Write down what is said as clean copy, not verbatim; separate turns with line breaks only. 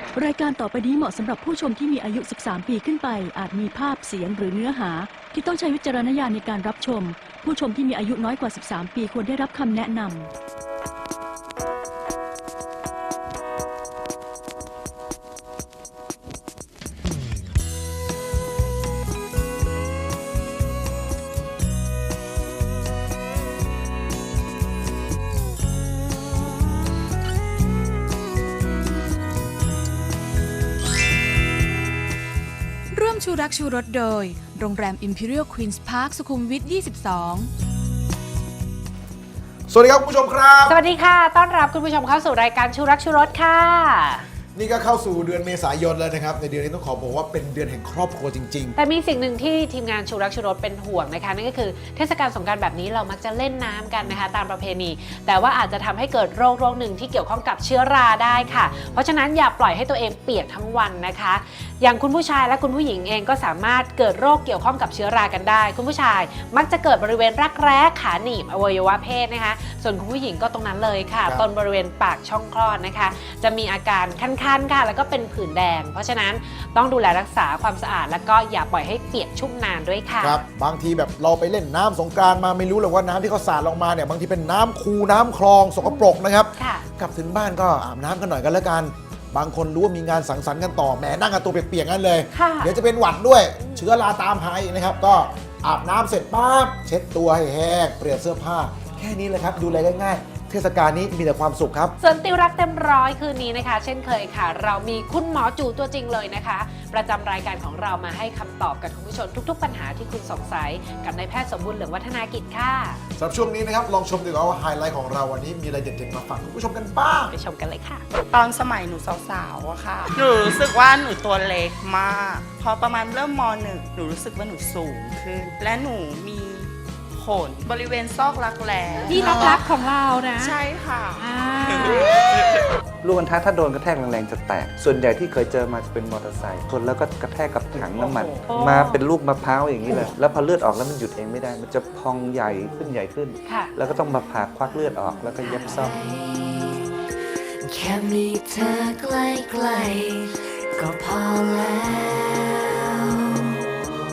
รายการต่อไปนี้เหมาะสำหรับผู้ชมที่มีอายุ 13 ปีขึ้นไปอาจมีภาพเสียงหรือเนื้อหาที่ต้องใช้วิจารณญาณในการรับชมผู้ชมที่มีอายุน้อยกว่า 13 ปีควรได้รับคำแนะนำ
ร่วมชูรักชูรสโดยโรงแรม Imperial Queen's Park สุขุมวิท 22
สวัสดีครับคุณผู้ชมครับ
สวัสดีค่ะต้อนรับคุณผู้ชมเข้าสู่รายการชูรักชูรสค่ะ
นี่ก็เข้าสู่เดือนเมษายนแล้วนะครับในเดือนนี้ต้องขอบอกว่าเป็นเดือนแห่งครอบครัวจริงๆ
แต่มีสิ่งหนึ่งที่ทีมงานชูรักชูรสเป็นห่วงนะคะนั่นก็คือเทศกาลสงกรานต์แบบนี้เรามักจะเล่นน้ำกันนะคะตามประเพณีแต่ว่าอาจจะทำให้เกิดโรคหนึ่งที่เกี่ยวข้องกับเชื้อราได้ค่ะเพราะฉะนั้นอย่าปล่อยให้ตัวเองเปียกทั้งวันนะคะอย่างคุณผู้ชายและคุณผู้หญิงเองก็สามารถเกิดโรคเกี่ยวข้องกับเชื้อรากันได้คุณผู้ชายมักจะเกิดบริเวณรักแร้ขาหนีบอวัยวะเพศนะคะส่วนคุณผู้หญิงก็ตรงนั้นเลยค่ะต้นบริเวณปากช่องคลอดนะคะจะมีอาการคันๆค่ะแล้วก็เป็นผื่นแดงเพราะฉะนั้นต้องดูแลรักษาความสะอาดแล้วก็อย่าปล่อยให้เปียกชุ่มนานด้วยค่ะ
ครับบางทีแบบเราไปเล่นน้ำสงกรานต์มาไม่รู้เลยว่าน้ำที่เขาสาดลงมาเนี่ยบางทีเป็นน้ำคูน้ำคลองสกปรกนะครับกลับถึงบ้านก็อาบน้ำกันหน่อยกันแล้วกันบางคนรู้ว่ามีงานสังสรรค์กันต่อแหมนั่งกันตัวเปียกๆงั้นเลยเดี๋ยวจะเป็นหวัดด้วยเชื้อราตามหาอีกนะครับก็อาบน้ำเสร็จปั๊บเช็ดตัวให้แห้งเปลี่ยนเสื้อผ้าแค่นี้เลยครับดูแลง่ายๆเทศกาลนี้มีแต่ความสุขครับ
ส่วนติวรักเต็มร้อยคืนนี้นะคะเช่นเคยค่ะเรามีคุณหมอจูตัวจริงเลยนะคะประจำรายการของเรามาให้คำตอบกับคุณผู้ชมทุกๆปัญหาที่คุณสงสัยกับนายแพทย์สมบูรณ์เหลืองวัฒนากิจค่ะ
สำหรับช่วงนี้นะครับลองชมดีกว่าว่าไฮไลท์ของเราวันนี้มีอะไรเด็ดๆมาฝากคุณผู้ชมกันบ้าง
ไปชมกันเลยค่ะ
ตอนสมัยหนูสาวๆอะค่ะหนูรู้สึกว่าหนูตัวเล็กมากพอประมาณเริ่มม.1 หนูรู้สึกว่าหนูสูงขึ้นและหนูมีขนบริเวณซอกรักแร้
ที่รักของเรานะ
ใช่ค่ะ
ลูกอัณฑะถ้าโดนกระแทกแรงๆจะแตกส่วนใหญ่ที่เคยเจอมาจะเป็นมอเตอร์ไซค์ชนแล้วก็กระแทกกับถังน้ำมันมาเป็นลูกมะพร้าวอย่างนี้เลยแล้วพอเลือดออกแล้วมันหยุดเองไม่ได้มันจะพองใหญ่ขึ้นแล้วก็ต้องมาผ่าควักเลือดออกแล้วก็เย็บซ่อม
แค่มีเธอใกล้ๆก็พอแล้ว